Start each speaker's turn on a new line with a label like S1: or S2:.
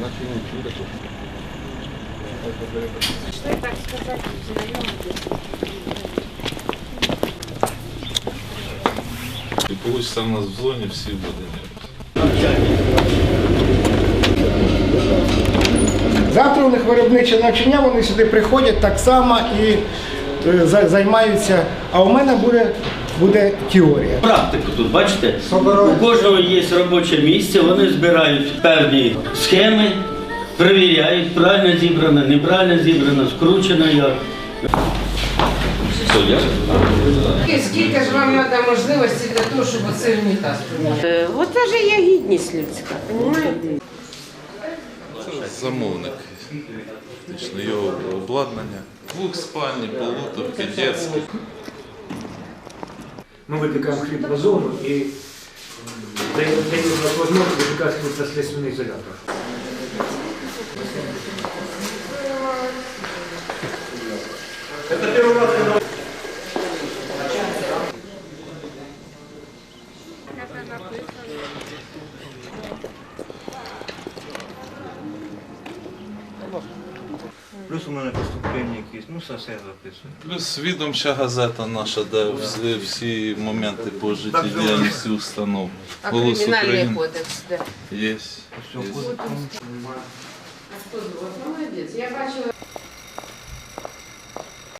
S1: Что так сказать,
S2: И получится у нас в зоне всі води.
S3: Завтра у них виробниче навчання, вони сюди приходять так само і займаються, а у мене буде теорія.
S4: Практику тут, бачите, у кожного є робоче місце, вони збирають певні схеми, перевіряють, правильно зібрано, неправильно зібрано, скручено як.
S5: Скільки ж вам треба можливості для того, щоб оцей унітаз поміняти?
S1: Оце ж є гідність людська, розумієте?
S2: Це замовник. Фактично, його обладнання. Двохспальні, полуторки, дитячі.
S6: Мы выпекаем хлеб в зону и даем возможность выпекать хлеб со следственный изолятор. Это первый раз, когда... Плюс у мене поступлення якісь, ну все записую.
S2: Плюс відомча газета наша, де всі моменти по життєдіяльності установ.
S5: А
S2: «Голос
S5: кримінальний
S2: України»
S5: кодекс, де?
S2: Є.
S5: Молодець, я бачила.